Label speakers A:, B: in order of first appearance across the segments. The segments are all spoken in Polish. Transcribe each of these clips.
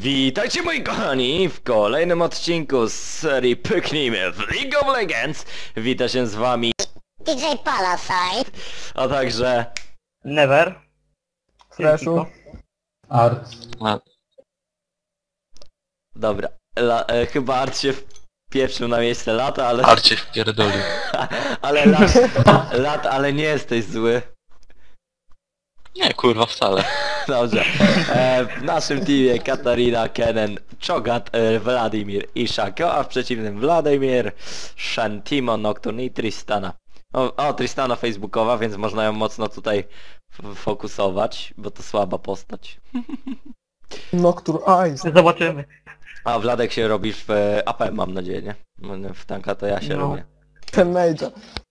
A: Witajcie moi kochani w kolejnym odcinku z serii Pyknijmy w League of Legends. Wita się z wami
B: DJ Palasite,
A: a także
C: Never.
D: Freshu.
E: Art.
A: dobra, chyba Art się wpieprzył na miejsce lata, ale
F: Arcie wpierdolił.
A: ale ale nie jesteś zły.
F: Nie, kurwa, wcale.
A: Dobrze. W naszym teamie Katarina, Kennen, Cho'Gath, Wladimir i Shaco, a w przeciwnym Wladimir, Shen, Timo, Nocturne i Tristana. O, Tristana facebookowa, więc można ją mocno tutaj fokusować, bo to słaba postać.
D: Nocturne Eyes.
C: Zobaczymy.
A: A Wladek się robisz w AP, mam nadzieję, nie? W tanka to ja się
C: No.
A: robię.
D: Ten Major.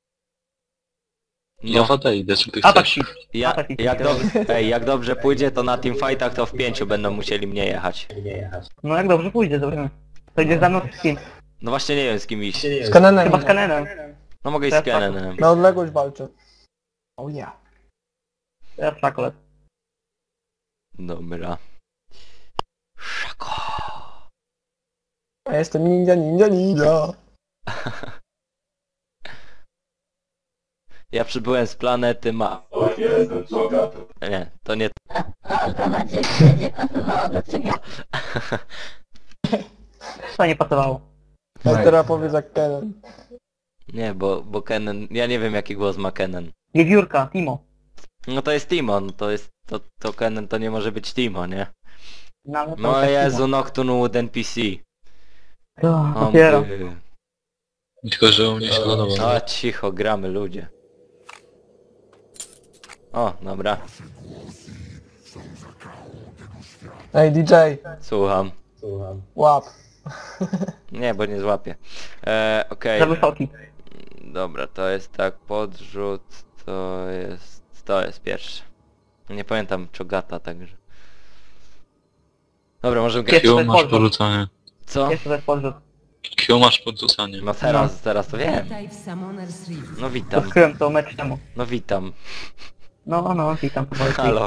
F: Ja odejdę, czy ty
C: Atak
F: chcesz.
C: shift.
A: Jak dobrze pójdzie, to na teamfightach to w 5 będą musieli mnie jechać.
C: No jak dobrze pójdzie, zobaczymy. To idzie za mną z kim?
A: No właśnie nie wiem z kim iść.
D: Z Kenenem.
C: Chyba z Kenenem.
A: No mogę iść z Kennenem.
D: Na odległość walczy. O ja.
C: Ja Szakolet.
A: Dobra. Szako.
D: A jestem ninja.
A: Ja przybyłem z planety Ma... Nie, to nie...
C: To nie pasowało.
D: A teraz powiedz jak Kenen.
A: Nie, bo Kennen... Ja nie wiem jaki głos ma Kennen.
C: Wiewiórka, Timo.
A: No to jest Timo, no to jest... To Kennen to nie może być Timo, nie?
C: Nawet
A: No
C: tak
A: Jezu,
C: Timo.
A: Nocturne Wood NPC.
C: To,
A: O,
C: dopiero.
A: by.
F: Tylko, że u mnie się lodował.
A: A cicho, gramy ludzie. O, dobra,
D: Ej DJ,
A: słucham.
D: łap.
A: Nie, bo nie złapię. Okej.
C: Za wysoki.
A: Dobra, to jest tak, podrzut, to jest pierwszy. Nie pamiętam Cho'Gatha, także. Dobra, możemy grać.
C: Pierwszy.
F: Q masz porzucanie.
A: Co?
C: Jeszcze to jest podrzut.
F: Q masz podrzucanie.
A: No teraz to wiem.
G: Witaj w Summoner's Rift.
A: No witam,
C: Odkryłem to mecz temu.
A: no witam.
C: No, witam.
A: Halo.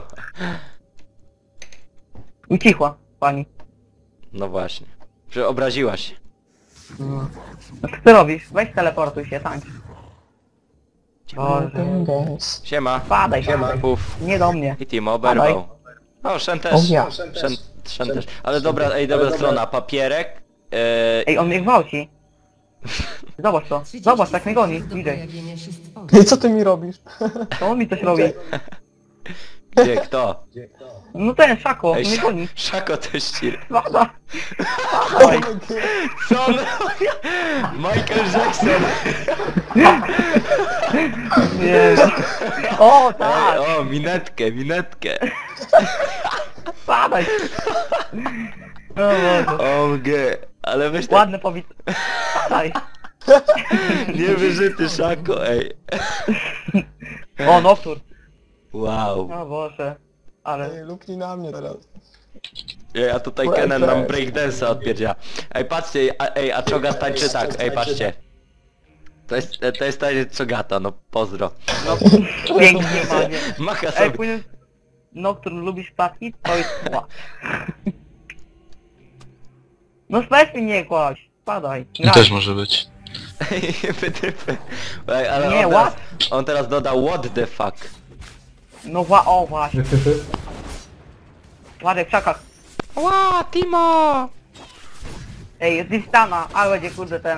C: Ucichła, pani.
A: No właśnie. Że obraziłaś się.
C: No. No co ty robisz? Weź teleportuj się, tańcz. Boże.
A: Siema.
C: Padaj się.
A: Puf.
C: Nie do mnie.
A: I Timo oberwał. O, Shen też.
D: O ja.
A: Shen też. Ale dobra, dobra strona. Papierek.
C: Ej, on mnie gwałci. Zobacz to. Zobacz, tak mnie goni.
G: Do
C: Widzę.
G: pojawienia się stworzeń.
D: I co ty mi robisz?
C: To on mi coś robi.
A: Gdzie, kto?
C: No ten Szako,
A: Ej,
C: mnie goni.
A: Szako też ci...
C: Pada. Padaj.
A: Co on... Michael Jackson!
C: Nie. O, tak.
A: Ej, o, minetkę.
C: Padaj. O Boże.
A: OMG. Ale weź tak...
C: Ładne powit... Padaj.
A: Niewyżyty Szako, ej.
C: O, Noctur.
A: Wow.
C: O Boże. Ale...
D: Ej, luknij na mnie teraz.
A: Ej, a tutaj Kennen nam breakdance'a odpierdzia. Ej, patrzcie, a Cho'Gath tańczy tak, ej, patrzcie. To jest taniec Cho'Gatha, no pozdro.
C: No, pięknie, panie.
A: Macha
C: Ej,
A: sobie.
C: pójdę... Noctur, lubisz ptaki? To jest zła. No weź mi nie kłaść. Padaj.
F: To też może być.
A: Ej, wytypy. Ej, ale
C: Nie,
A: on teraz dodał what the fuck.
C: No o właśnie. Ładek w szakach.
A: Ła, Timo!
C: Ej, jest Tristana, ale będzie kurde ten...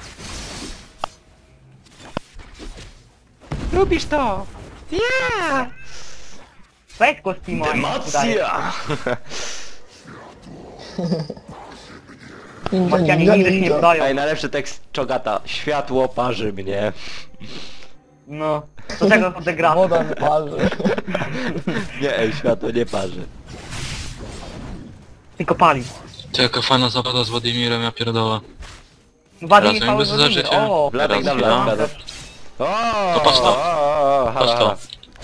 A: Lubisz to? Yeah!
C: Weź go z Timo, a nie udaje.
A: Emocja!
C: Macianie nigdy się nie wdają.
A: Ej, najlepszy tekst Cho'Gatha. Światło parzy mnie.
C: No. Do tego to degra.
D: Woda mi parzy.
A: Nie, ej, światło nie parzy.
C: Tylko pali.
F: To jaka fajna zabawa z Władimirem, ja pierdolę.
C: Wady mi
F: Teraz
C: cały
F: jakby zażycie.
C: O,
A: Wladek na
F: Teraz
A: Wladka.
F: ja.
A: O,
F: To patrz to.
A: halo,
F: Patrz to.
A: halo.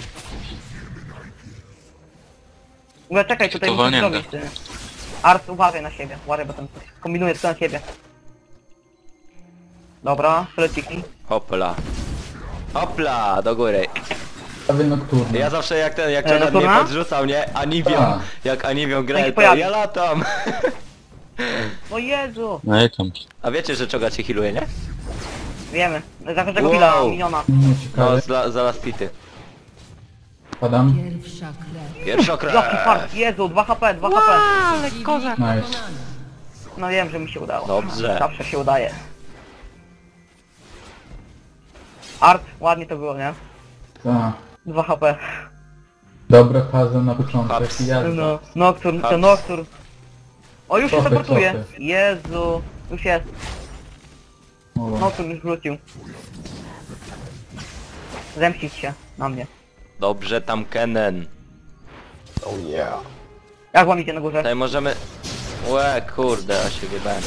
C: no czekaj, tutaj
F: To
C: muszę
F: walnięte.
C: zrobić. Ty. Art, uważaj na siebie. Uważaj, bo ten coś kombinuje tylko na siebie. Dobra, fleciki.
A: Hopla. Hopla, do góry.
E: Prawie nocturny.
A: Ja zawsze jak ten, jak
C: E,
A: Czogat mnie
C: Nocturna?
A: podrzucał, nie? Aniwią,
E: Tak.
A: jak Aniwią gra,
C: się
A: to
C: pojawi.
A: ja latam.
C: O Jezu!
F: No i tam.
A: A wiecie, że Czogat się healuje, nie?
C: Wiemy. Za każdego
A: Wow.
C: chwila miniona.
E: Nie
A: No,
E: ciekawe.
A: za last hity.
E: Padam.
G: Pierwsza krew.
A: Pierwszy
C: Jaki
A: okres.
C: fart, Jezu, 2 HP, 2 HP.
G: Ale kozak.
E: Nice.
C: No wiem, że mi się udało.
A: Dobrze.
C: Zawsze się udaje. Art, ładnie to było, nie?
E: Tak.
C: 2 HP.
E: Dobra faza na początek.
A: Haps.
E: Jazda.
C: No, Nocturne, to
A: Haps.
C: Nocturne. O, już się
E: Cofy,
C: teleportuje.
E: cofy.
C: Jezu, już jest.
E: O,
C: Nocturne już wrócił. Zemścić się na mnie.
A: Dobrze tam Kenen.
D: Oh yeah.
C: Jak łamicie na górze?
A: Tutaj możemy... Łe, kurde, a się wybałem.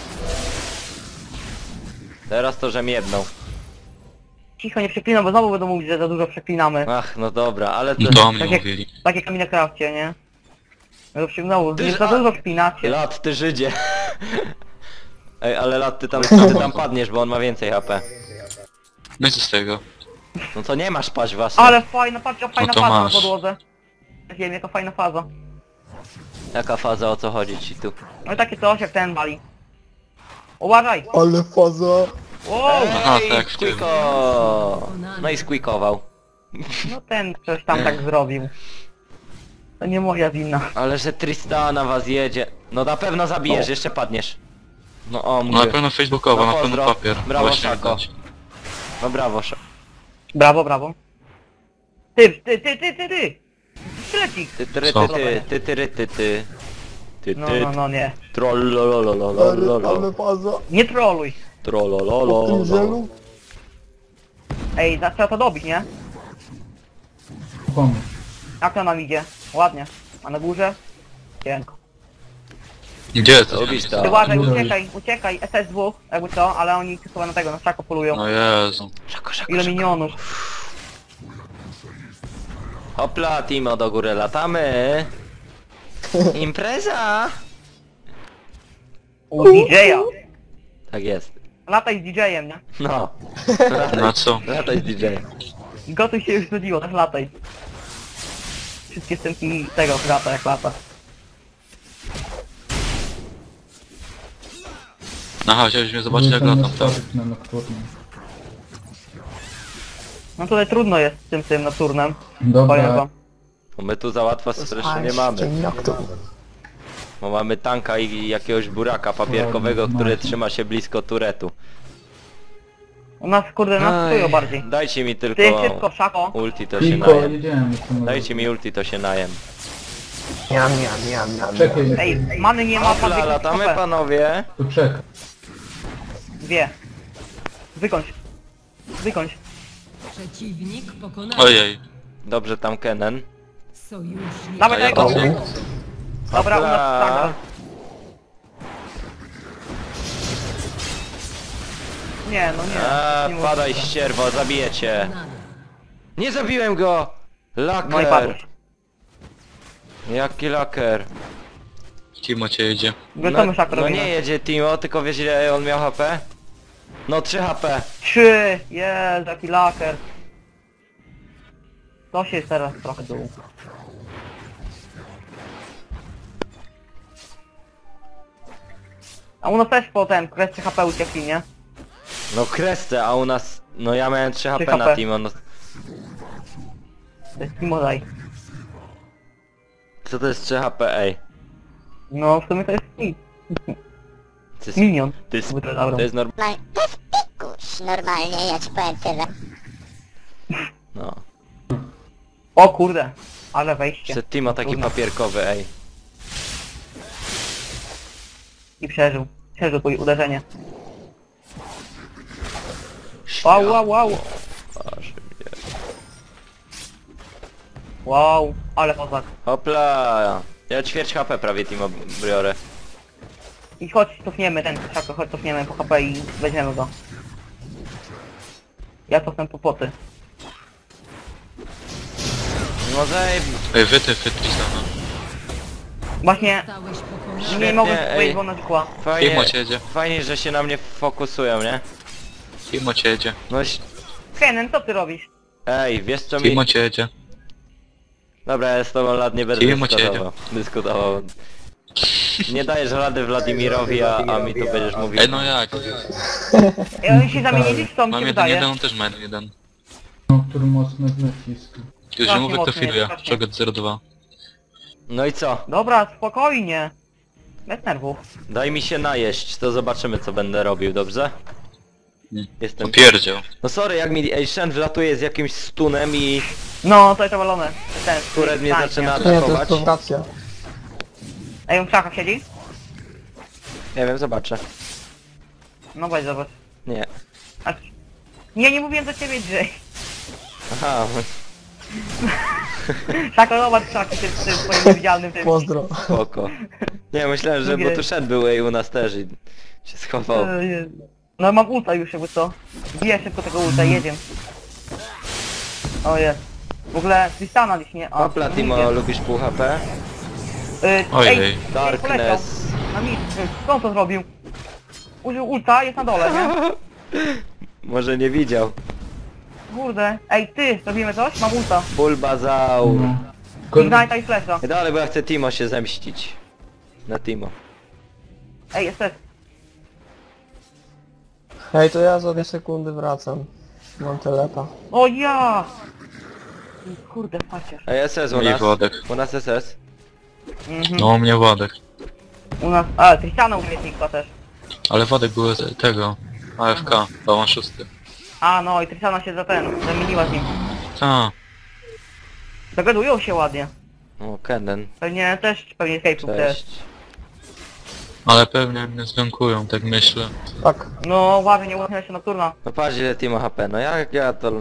A: Teraz to, że miebną.
C: Cicho, nie przeklinam, bo znowu będą mówić, że za dużo przeklinamy.
A: Ach, no dobra, ale to...
F: No to o mnie
C: Tak jak,
F: mówili.
C: tak jak na Minecrafcie, nie? Znowu,
A: Ty,
C: nie za
A: a-
C: dużo przekinacie.
A: Lat, ty Żydzie. Ej, ale Lat, ty tam padniesz, bo on ma więcej HP.
F: No i co z tego?
A: No to nie masz paść własnej.
C: Ale fajna, patrzcie, fajna
F: to
C: faza na
F: masz.
C: podłodze. Ja wiem, jaka fajna faza.
A: Jaka faza, o co chodzi ci tu?
C: No i takie coś jak ten wali. Uważaj!
D: Ale faza.
C: Wow!
F: Aha,
A: Ej,
F: tak, w tym.
A: squeako! No i squeakował.
C: No ten coś tam tak zrobił. To nie moja wina.
A: Ale że Tristana was jedzie. No na pewno zabijesz,
C: O.
A: jeszcze padniesz. No o,
F: No na
A: mówię.
F: pewno facebookowo,
A: No
F: na pewno
A: pozdro.
F: papier.
A: Brawo,
F: Właśnie
A: Szako.
F: widać.
A: No brawo,
C: Brawo, brawo. Ty! Szlecik!
A: ty ty
F: Co?
A: ty ty ty ty ty ty ty
C: No,
A: ty
C: no, no, nie.
D: Ale faza.
C: Nie troluj!
D: O tym
A: Trollolololo.
D: zielu.
C: Ej, trzeba to dobić, nie?
E: pomóż.
C: Jak to nam idzie? Ładnie. A na górze? Cienko.
F: Gdzie to?
A: Lubisz to?
C: Ty uważaj,
E: Dobra.
C: uciekaj, SS2, jakby co, ale oni chyba na tego, na szako polują.
F: No Jezu.
A: Szako, szako,
C: Ile
A: szako.
C: minionów.
A: Hopla, Timo, do góry latamy. Impreza!
C: U DJ-a.
A: Tak jest.
C: Lataj z DJ-em, nie?
A: No.
F: Na co?
A: Lataj z DJ.
C: Gotuj się już nudziło, tak lataj. Wszystkie scenki tego lata jak lata.
F: Aha, chciałbyś mnie zobaczyć jak
E: Wrócę
F: latam, tak?
E: nastawić na nocturny.
C: No tutaj trudno jest z tym nocturnem. Powiem
E: Dobra.
C: wam.
A: Bo my tu za łatwo stresznie nie mamy.
D: Jak to?
A: Bo mamy tanka i jakiegoś buraka papierkowego,
E: Ładnie,
A: który
E: macie.
A: trzyma się blisko turetu.
C: U nas kurde nas czują bardziej.
A: Dajcie mi tylko
C: Ty szybko, szako.
A: ulti, to się
E: Tylko
A: najem.
E: jedziemy. co może.
A: Dajcie mi ulti, to się najem.
D: Miam.
E: Czekaj,
C: Ej, many nie ma,
A: Hopla,
C: pan
A: latamy panowie.
E: tu czekaj.
C: Dwie. Wykończ. Wykończ.
G: Przeciwnik pokonany.
F: Ojej.
A: Dobrze tam Kenen.
G: Sojusznik.
C: Dawaj
F: ja
C: tego.
F: to
C: Dobra, u nas
A: Hopla.
C: tak. Nie, no nie.
A: A,
C: nie
A: padaj
C: możliwe.
A: ścierwo, zabijecie.
G: Pokonany.
A: Nie zabiłem go!
C: No i
A: Laker!
C: padłeś.
A: Jaki laker?
F: Timo cię jedzie.
C: Gotowy szako
A: no
C: robimy.
A: nie jedzie Timo, tylko wiesz ile on miał HP? No 3 HP.
C: 3! Jest, jaki laker. To się jest teraz trochę dół. A u nas też potem kwestia HP uciekli, nie?
A: No kresce, a u nas... No ja miałem 3 HP na
C: HP.
A: Timo, no...
C: To jest Timodaj.
A: Co to jest 3 HP, ej?
C: No w sumie to jest
A: To jest...
C: minion.
A: To jest,
C: Jakby to zabrał.
A: to jest
B: No, to jest pikuś, normalnie, ja ci powiem tyle.
A: No.
C: O kurde, ale wejście.
A: Przed Timo taki
C: Trudno.
A: papierkowy, ej.
C: I przeżył. Przeżył twoje uderzenie. Wow, wow, wow.
A: Aż mnie.
C: Wow, ale kozak.
A: Hopla! Ja ćwierć HP prawie Timo biorę.
C: I chodź, cofniemy ten szako, chodź cofniemy po HP i weźmiemy go. Ja cofnę po poty.
A: No zajeb...
F: Ej, wytyfy Tristana.
C: Właśnie
G: Zostałeś pokonany.
C: nie
A: Świetnie,
C: mogę
A: ej.
C: powiedzieć, bo ona znikła.
A: Fajnie,
F: Timo cię jedzie.
A: fajnie, że się na mnie fokusują, nie?
F: Timo cię jedzie.
A: No
C: Kennen, co ty robisz?
A: Ej, wiesz co mi...
F: Timo cię jedzie.
A: Dobra, ja z tobą lat nie będę
F: Timo cię
A: dyskutował. Nie dajesz rady Wladimirowi, a mi tu będziesz mówił.
F: Ej, no jak?
C: I oni się zamienili, co mi
F: Mam
C: się
F: jeden,
C: wydaje.
F: on też ma jeden.
E: No, który mocno nacisk.
F: Już
C: Strasznie
F: mówię, kto
C: mocny,
F: filuje.
C: strasznie.
F: Czogat 02.
A: No i co?
C: Dobra, spokojnie. Bez nerwów.
A: Daj mi się najeść, to zobaczymy co będę robił, dobrze? Jestem...
F: Popierdział.
A: No sorry, jak mi Shen wlatuje z jakimś stunem i
C: No, to jest zawalone. Ten,
A: Turet mnie
C: tańczy,
A: zaczyna
C: nie?
D: Nie, to jest
A: atakować.
D: prowokacja.
C: Ej, on w krzakach siedzi?
A: Nie wiem, zobaczę.
C: No weź zobacz.
A: Nie.
C: A... Nie mówiłem do ciebie, Jay.
A: Aha,
C: Tak, zobacz krzaki tym swoim niewidzialnym tym.
D: Pozdro.
A: spoko. Nie, myślałem, że
C: Drugie-
A: bo tu Shen był u nas też i się schował.
C: No mam ulta już jakby co. Bije szybko tego ulta, jedziemy. O jest. W ogóle Tristana gdzieś nie...
A: Hopla, Timo, lubisz pół HP?
F: Ojej.
C: Ej, poleciał.
A: Darkness.
C: Na mid. Kto on to zrobił? Użył ulta, jest na dole, nie?
A: Może nie widział.
C: Kurde. Ej, ty, robimy coś? Mam ulta.
A: Bulbazaur.
E: No.
C: Ignite i flasha.
A: Ej, dalej, bo ja chcę Timo się zemścić. Na Timo.
C: Ej, jest też.
D: Hej, to ja za 2 sekundy wracam. Mam telepa.
C: O ja! Kurde, paciesz.
A: Ej, SS u
F: Mieli
A: nas.
F: Władek.
A: U nas SS.
C: Mhm.
F: No, u mnie Władek.
C: U nas... A, Tristana umiejętnika też.
F: Ale Władek był tego. AFK, bałan 6.
C: A, no i Tristana się zamieniła z nim.
F: Ta.
C: Dogadują się ładnie.
A: O, Kenen.
C: Pewnie escape'ów też.
A: Cześć.
F: Ale pewnie mnie zgankują, tak myślę.
D: Tak.
C: No, uważaj, nie ułatwia się nocturna.
A: No patrz ile Timo HP, no jak ja to...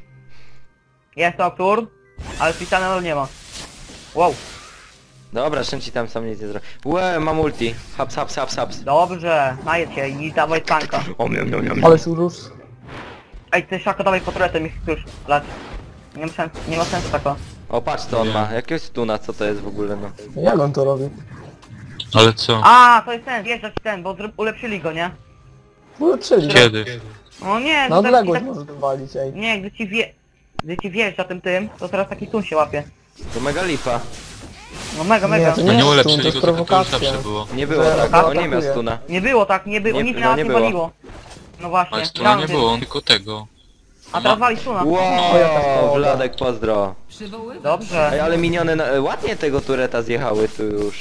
C: Jest nocturn, ale Tristana nie ma. Wow,
A: Dobra, Shen ci tam sam nic nie zrobi. Łe, mam ulti. Haps, haps, haps, haps.
C: dobrze, najedź się i dawaj tanka.
A: O, miam, miam, miam.
D: Ale urósł.
C: Ej, ty Szako, dawaj po turetem ich już lać. Nie ma sensu tako.
A: O, patrz co on ma. Jakiegoś stuna, co to jest w ogóle, no.
D: Jak on to robi?
F: Ale co?
C: A, to jest ten, wjeżdżać ten, bo ulepszyli go, nie?
D: Ulepszyli.
F: Kiedy?
C: No nie,
D: Na
C: to tak-
D: odległość
C: tak-
D: może wywalić, ej.
C: Nie, gdy ci wjeżdża tym, to teraz taki stun się łapie.
A: To mega lipa.
C: No mega,
D: Nie,
C: mega.
D: to
F: No nie
D: jest
F: ulepszyli
D: stun, to jest
F: go, tylko to już
D: prowokacja.
F: zawsze było.
A: Nie było
D: Że
A: tak,
C: atakuje.
A: on nie miał stuna.
C: Nie było tak, nie było,
A: Nie-
C: nic
A: no
C: nas
A: nie
C: nie
A: było.
C: waliło. No właśnie.
F: Ale stuna nie
C: realnie.
F: było, on tylko tego.
C: A teraz wali stuna.
A: Wow, Wladek, pozdro.
G: Przywoływacz.
C: Dobrze.
A: Ej, ale miniony ładnie tego tureta zjechały tu już.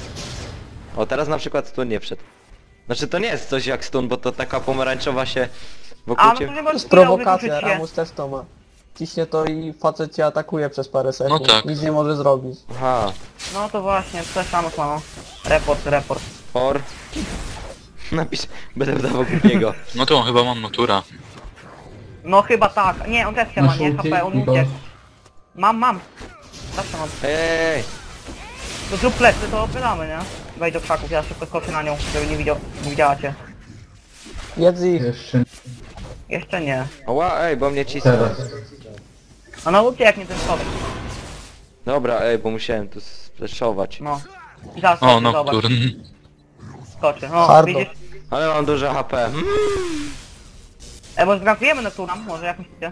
A: O, teraz na przykład stun nie wszedł. Znaczy to nie jest coś jak stun, bo to taka pomarańczowa się
C: A,
A: wokół
C: no to
A: ciebie...
C: nie
D: To
C: możesz
D: jest
C: chwilę
D: prowokacja,
C: wykluczyć się.
D: Ramus też to ma. Ciśnie to i facet cię atakuje przez parę sekund.
F: tak.
D: Nic nie może zrobić.
A: Aha,
C: No to właśnie, coś tam mamo. Report.
A: for... Napisz, będę wdawał głupiego.
F: No to on chyba mam natura.
C: No chyba tak. Nie, on też się ma,
E: Masz
C: nie?
E: ulti
C: HP, on
E: i
C: uciekł. Mam. Zawsze mam.
A: Ej,
C: To zrób plecy, to opylamy, nie? Wejdź do krzaków, ja szybko skoczę na nią, żeby nie widziała cię.
D: Jedz ich.
E: Jeszcze
C: Jeszcze nie.
A: oła, ej, bo mnie cisnął.
E: teraz.
C: A no ucieknie ten skok.
A: Dobra, ej, bo musiałem tu spleszować.
C: No. I zaraz
F: O,
C: skoczy, zobacz.
F: Nocturn.
C: Skoczy. O,
D: Hardo.
C: widzisz?
A: Ale mam duże HP.
C: Może zgankujemy na turam, może jak myślicie?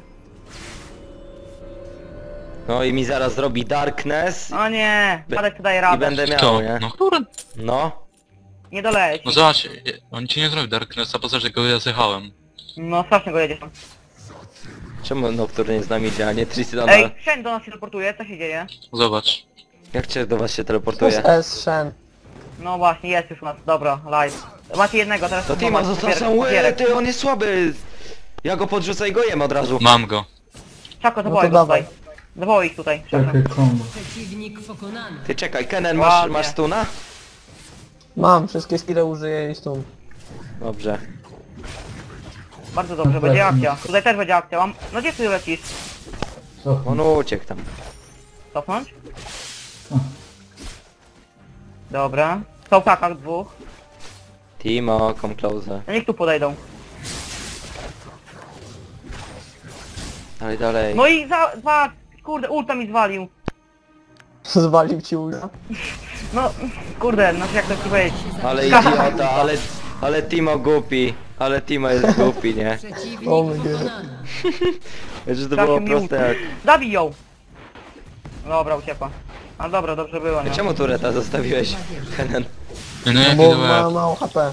A: No i mi zaraz zrobi Darkness
C: O nie, Padek tu daje
A: i
C: radę.
A: będę miał,
F: Kto?
A: nie?
F: Nocturn?
A: No.
C: Nie doleci.
F: No zobacz, on ci nie zrobi Darknessa, poza że go ja zjechałem.
C: No strasznie go jedziesz tam.
A: Czemu Nocturne z nami działa, nie Tristana?
C: Ej, Shen do nas się teleportuje, co się dzieje?
F: Zobacz.
A: Jak cię do was się
D: To jest
A: teleportuje?
D: S, Shen.
C: No właśnie, jest już u nas, dobra, live. Macie jednego, teraz
A: To Timo został sam, ty, on jest słaby! Ja go podrzucę i go jem od razu.
F: Mam go.
C: Czako,
D: No
C: zawołaj
D: to
C: go
D: dawaj.
C: tutaj. Zawołaj ich tutaj. Czako.
E: Takie combo.
G: Przeciwnik pokonany.
A: Ty czekaj, Kenen,
C: Ładnie.
A: masz stuna?
D: Mam, wszystkie skille użyję i stun.
A: Dobrze.
C: Bardzo dobrze, będzie akcja. Tutaj też będzie akcja, mam... No gdzie ty lecisz?
E: Co?
A: On uciekł tam.
C: Cofnąć?
E: O.
C: Dobra. Są w kakach dwóch.
A: Timo, come closer.
C: No niech tu podejdą.
A: Dalej, dalej.
C: No i dwa... Kurde, ulta mi zwalił.
D: Zwalił ci ulta.
C: No, kurde, no jak to ci powiedzieć.
A: Ale idiota, ale Timo głupi. Ale Timo jest głupi, nie?
G: Przeciwnik
D: O my God.
G: pokonany.
A: Że to
C: Trafił
A: było
C: mi
A: proste jak...
C: Zabij ją! Dobra, uciekła. A dobra, dobrze było, nie?
A: Czemu tureta zostawiłeś, Kenan?
F: No
D: No
F: jaki
D: bo
F: to
D: ma
F: łeb.
D: mało HP.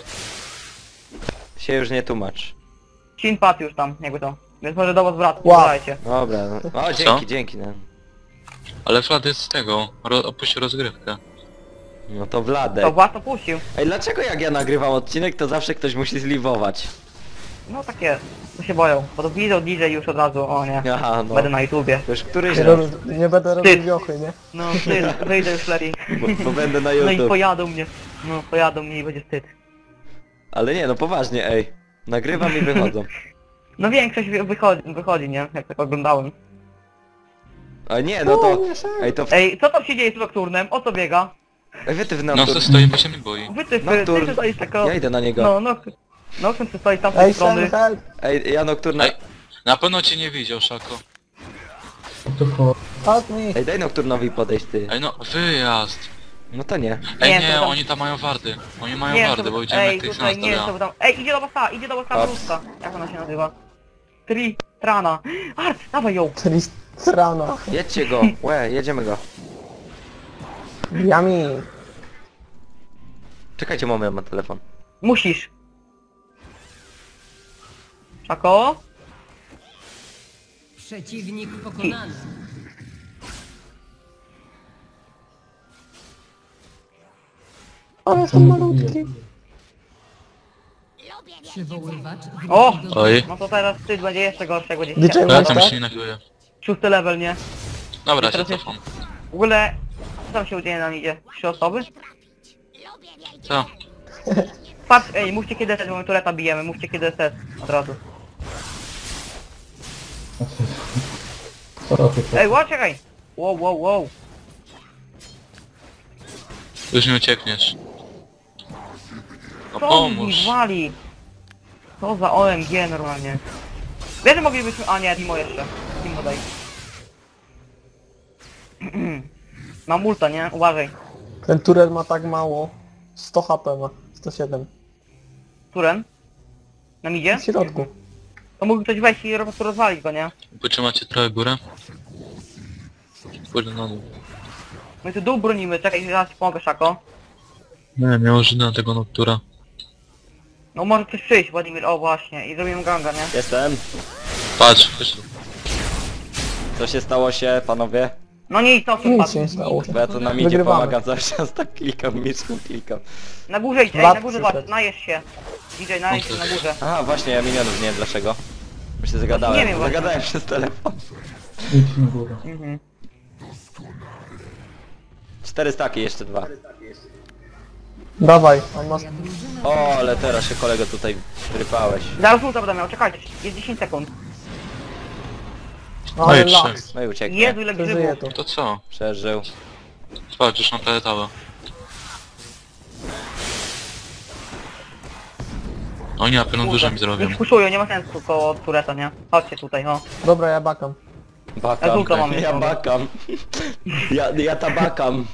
A: Się już nie tłumacz.
C: Shin padł już tam, jakby to. Więc może do was wracać,
D: Wow.
C: wracajcie.
A: Dobra, no. O, dzięki, no.
F: Ale Vlad jest z tego, opuścił rozgrywkę.
A: No to Wladek.
C: To was opuścił.
A: Ej, dlaczego jak ja nagrywam odcinek, to zawsze ktoś musi zliwować?
C: No tak jest. To się boją. Bo to widzą DJ już od razu, o nie.
A: Aha, no.
C: Będę na YouTubie.
A: To już któryś
D: Nie,
A: raz,
D: nie będę robił wiochy, nie?
C: No wstyd, wyjdę już lepiej.
A: bo będę na
C: No i
A: YouTube.
C: pojadą mnie. No pojadą mnie i będzie wstyd.
A: Ale nie, no poważnie, ej. Nagrywam i wychodzą.
C: No większość wychodzi, nie? Jak tak oglądałem.
A: A nie, no to... Ej, to...
C: Ej, co tam się dzieje z Nocturnem? O co biega?
A: Ej, wytyw
F: No
A: Nocturne.
F: to stoi, bo się nie boi.
C: Ty stoisz tako...
A: Ja idę na niego.
C: No, Nocturn ty stoi z tamtej
D: Ej,
C: strony.
D: Sam, help!
A: Ej, ja Nocturna...
F: Ej. Na pewno cię nie widział, Szako.
E: To ko...
D: Help me!
A: Ej, daj Nocturnowi podejść, ty.
F: Ej no, wyjazd.
A: No to nie.
F: Ej
C: Nie,
F: nie,
C: to tam-
F: oni tam mają wardy. Oni mają
C: Nie,
F: wardy,
C: to...
F: bo idziemy
C: Ej,
F: jak tych
C: tutaj
F: nas
C: nie,
F: dobra.
C: to tam... Ej, idzie do was ta
A: Ops.
C: bluzka. Jak ona się nazywa? Trana. Art, dawaj ją.
D: Tristrana.
A: Jedźcie go. Łe, jedziemy go.
D: Yummy.
A: Czekajcie moment, ma telefon.
C: Musisz. Czako?
G: Przeciwnik pokonany.
D: Ale są malutki.
G: Przywoływacz
C: O!
G: wrócił do
F: Oj.
C: No to teraz wstyd będzie jeszcze gorszy, jak będzie
D: DJ
C: się
F: Ja
D: Masz
F: tam
D: tak?
F: się nie nagrywam.
C: 6 level, nie?
F: Dobra, się
C: Teraz
F: cofam.
C: W ogóle... Co tam się dzieje na idzie? 3 osoby?
F: Co?
C: Patrz, ej, mówcie kiedy SS, bo my tureta bijemy, mówcie kiedy SS. Od razu.
E: Co ty
C: Ej, wow, czekaj! Wow.
F: Już nie uciekniesz. No
C: Co mi
F: pomóż.
C: wali? Co za OMG normalnie. Wiesz, że moglibyśmy... A nie, Timo jeszcze. Timo daj. Mam ulta, nie? Uważaj.
D: Ten turel ma tak mało. 100 HP ma. 107.
C: Turen? Na midzie?
D: W środku.
C: To mógł ktoś wejść i po prostu rozwalić go, nie?
F: Potrzymacie trochę górę? Pójdę na dół.
C: My tu dół bronimy, czekaj, zaraz ci pomogę, Szako.
F: Nie, miał Żyda tego Noctura.
C: No może ktoś przyjść, Władimir, o właśnie, i zrobimy ganga, nie?
A: Jestem.
F: Patrz, chodź tu.
A: Co się stało się, panowie?
C: No nic, to
D: Nic
C: padł.
D: się nie stało.
A: Bo ja tu na midzie
D: Wygrywamy.
A: pomagam cały czas, tak klikam, miczką klikam.
C: Na górze idź, ej,
D: Lat
C: na górze
D: przyszedł.
C: zobacz, najesz się. DJ, najesz się na górze.
A: Aha, właśnie, ja minionów nie wiem dlaczego. Bo się zagadałem.
C: Nie wiem właśnie.
A: Zagadałem przez telefon.
E: Idź na górę.
C: Mhm.
A: 4 staki, jeszcze 2.
D: Dawaj, on ma...
A: O, ale teraz się kolego tutaj rypałeś.
C: Zaraz ulta będę miał, czekajcie, jest 10 sekund.
D: Ale
F: i trzech.
D: laks.
A: No i ucieknie.
C: Jezu, ile
D: Przeżyje
C: grzybów.
D: tu.
F: To co?
A: Przeżył.
F: Patrz, już mam prawie tałę. Oni na pewno dużo mi zrobią.
C: Niech puszują, nie ma sensu koło tureta, nie? Chodźcie tutaj, o.
D: Dobra, ja bakam.
A: Bakam.
C: Żółto mam
A: Ja
C: jeszcze.
A: bakam. Ja tabakam.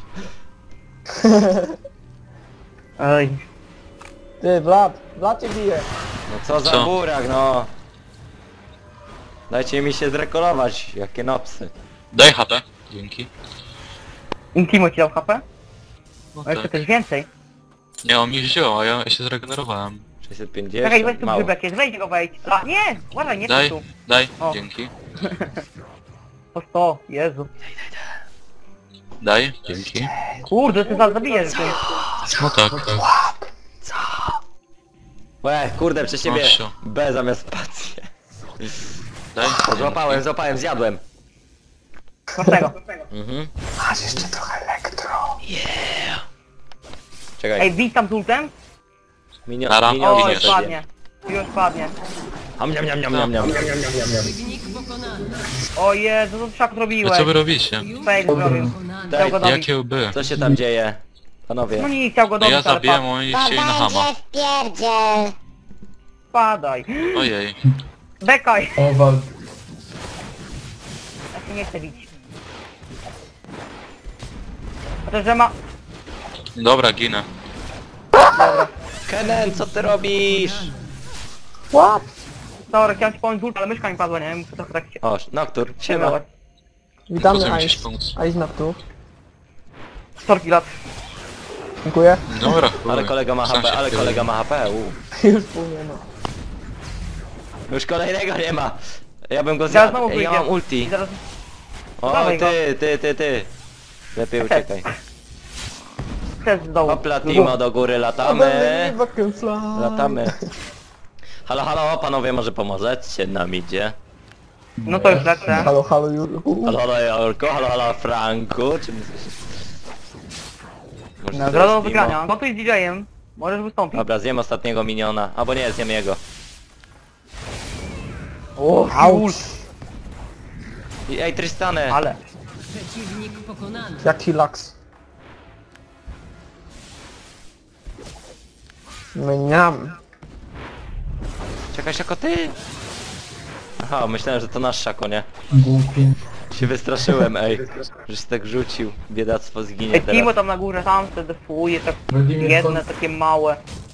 C: Ej.
D: Ty, Vlad cię bije.
A: No co za
F: Co?
A: burak, no. Dajcie mi się zrekolować, jakie nopsy.
F: Daj HP. Dzięki.
C: Intimo ci dał HP?
F: No
C: A jeszcze
F: tak.
C: coś więcej.
F: Nie, on mi wziął, a ja się zregenerowałem.
A: 650,
C: Czekaj, weź tu
A: mało.
C: grzybek jest, wejdź go wejdź. A, nie! Uważaj, nie
F: Daj,
C: tu.
F: daj,
C: O.
F: dzięki.
C: Po 100, Jezu.
F: Daj, dzięki.
C: Kurde, ty zaraz zabijesz ty.
F: No tak.
A: Łe, kurde, przez ciebie
F: Proszę.
A: B zamiast spację.
F: Daj.
A: Złapałem, zjadłem.
C: Prostego.
A: Mhm.
D: Masz jeszcze trochę elektro.
A: Czekaj,
C: Ej, bij tam z ultem?
F: Nara.
A: minionki
C: O,
F: nie
C: już
A: sobie.
C: padnie. Już padnie.
A: Am, niam, niam, niam, niam.
G: Przeciwnik pokonany.
C: O Jezu, co ty szak
F: A
C: zrobiłeś?
F: co wy robicie?
C: Fail zrobił.
G: Pokonany.
C: Chciał go dobić.
F: Jakie łby?
A: Co się tam dzieje? Panowie.
C: No nie, chciał go
F: No
C: dobić,
F: ja
C: ale
F: zabiłem, oni
B: To
F: chcieli na hama.
B: będzie wpierdziel.
C: Padaj.
F: Ojej.
C: Bekaj.
E: O, wal...
C: Ja się nie chcę bić. Chociaż, że ma...
F: Dobra, ginę.
A: Kenen, co ty robisz?
D: What?
C: Dobra, chciałem ci pomóc z ulta, ale myszka mi padła, nie wiem, co to tak się...
A: O, Noctur, siema.
C: Siema.
D: Witamy
F: Potem gdzieś
D: Ice.
F: pomóc.
D: Ice na tu.
C: Sorki lat.
D: Dziękuję.
F: Dobra, chuj.
A: Ale kolega ma
F: Sam
A: HP,
F: się
A: ale
F: wpierdolę.
A: kolega ma HP,
D: Już pół nie ma.
A: Już kolejnego nie ma. Ja bym go
C: Zaraz
A: zjadł.
C: znowu
A: Ej, ja
C: wyjdzie.
A: mam ulti.
C: I zaraz...
A: O,
C: Dawaj go.
A: ty. Lepiej uciekaj.
C: Też z dołu.
A: Hopla, Timo, do góry latamy. Latamy. Halo, halo, panowie, może pomożecie nam idzie?
C: No to już lecę.
D: Halo, halo, Jurku.
A: Halo, halo, Jorko, halo, halo, Franku, czy... Może to
C: Nagrodą
A: jest
C: wygrania.
A: Timo?
C: No to jest DJ-em. Możesz wystąpić.
A: Dobra, zjem ostatniego miniona. Albo nie, zjem jego.
C: O,
D: Auć.
A: Ej, Tristane!
C: Ale.
G: Przeciwnik pokonany.
D: Jaki laks. Mniam.
A: Czekaj, jako ty! Aha, myślałem, że to nasz Szako, nie?
E: Głupi.
A: Się wystraszyłem, ej. Że się tak rzucił. Biedactwo zginie
C: Ej, Timo
A: teraz.
C: tam na górze sam se defuje, tak
E: Wladimir,
C: jedne takie małe.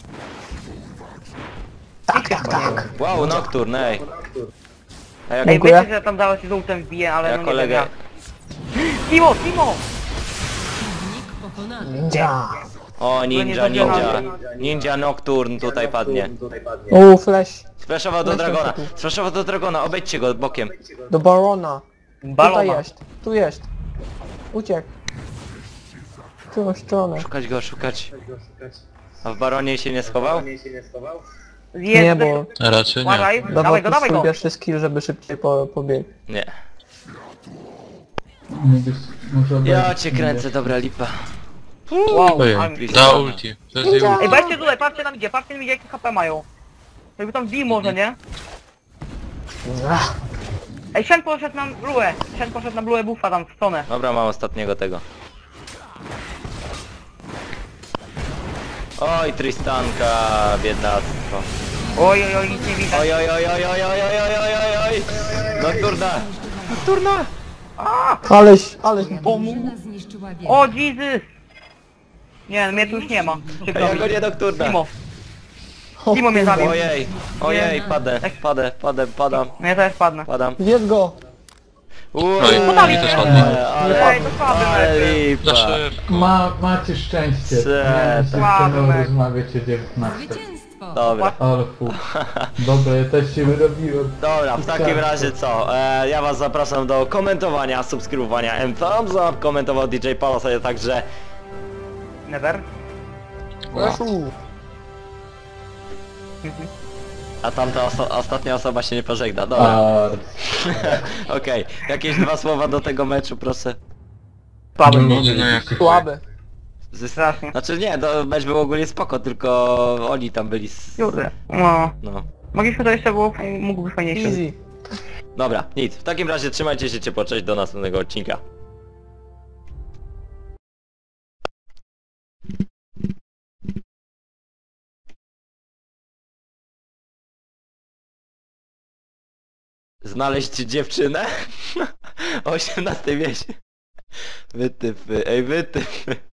D: Tak.
A: Wow, Nocturne, ej. A jak,
C: Ej,
D: Dziękuję.
C: wiecie, że tam dało się z ultem wbije, ale
A: ja
C: no nie
A: kolegę...
C: wiem jak. Timo!
G: Przeciwnik pokonany.
D: Ninja.
A: O, ninja,
C: nie
A: ninja.
C: zabieramy.
A: Ninja Nocturne tutaj padnie.
D: Flash.
A: Splashował do
D: Lecę
A: Dragona.
D: tu.
A: Splashował do Dragona, obejdźcie go bokiem.
D: Do Barona. Tutaj
C: Balona.
D: jest. Tu jest. Uciekł. W którą stronę?
A: Szukać go, szukać. A w Baronie się nie schował?
C: Jest,
D: Nie, bo
F: Raczej nie.
C: Uważaj,
D: dawał
C: dawaj go,
D: tu
C: dawaj
D: swój
C: go!
D: pierwszy skill, żeby szybciej pobiegł.
A: Nie.
E: mógłbyś może
A: Ja
E: obejrzeć
A: cię
E: mnie.
A: kręcę, dobra lipa.
C: Wow,
F: Ojej,
C: ale-
F: da ulti. To jest jej ulti.
C: Ej, weźcie tutaj, patrzcie nam idzie, patrzcie mi jakie HP mają. Jakby tam wbij może, nie?
D: Ach,
C: Ej, Shen poszedł na Blue. Shen poszedł na Blue buffa tam w stronę.
A: Dobra, mam ostatniego tego. Oj, Tristanka, biedactwo.
C: Oj, nic nie widać.
A: Oj. Nocturna! Nocturna!
D: aleś mi pomógł.
G: Drużyna zniszczyła wieżę.
C: O, Jesus! Nie, mnie tu już nie ma. Przykro
A: Ja
C: mi.
A: go nie Nocturna.
C: Timo. Timo mnie zabił.
A: Ojej, padam.
C: No ja też padnę.
D: Zjedz go.
F: Oj,
C: Podali
F: mi też
C: się.
F: ładnie.
C: Ej, to słaby
A: Ale
C: mecz.
A: lipa.
F: Za szybko.
E: Macie szczęście.
A: Se-
E: Miałem się
C: Słaby
E: z tym
C: mecz.
E: rozmawiać o 19.
G: Zwycięstwo.
A: Dobra.
E: Ale fu. Dobra, ja też się wyrobiłem.
A: Dobra, w takim razie co? Ja was zapraszam do komentowania, subskrybowania and thumbs up. Komentował DJ Palos, a także...
C: Never.
D: Leszu.
A: A tamta ostatnia osoba się nie pożegna, dobra.
E: A,
A: Okej, jakieś dwa słowa do tego meczu, proszę.
C: Słaby.
E: nie
F: No
E: mogę
F: jak-
D: Słaby.
C: Strasznie.
A: Znaczy nie, to mecz był ogólnie spoko, tylko oni tam byli
C: Kurde. No.
A: No.
C: Mogliśmy to jeszcze było, mógł być fajniejszy.
D: Easy.
A: Dobra, nic. W takim razie trzymajcie się ciepło, cześć, do następnego odcinka. Znaleźć dziewczynę? O 18 wieś. Wytypy, ej wytypy.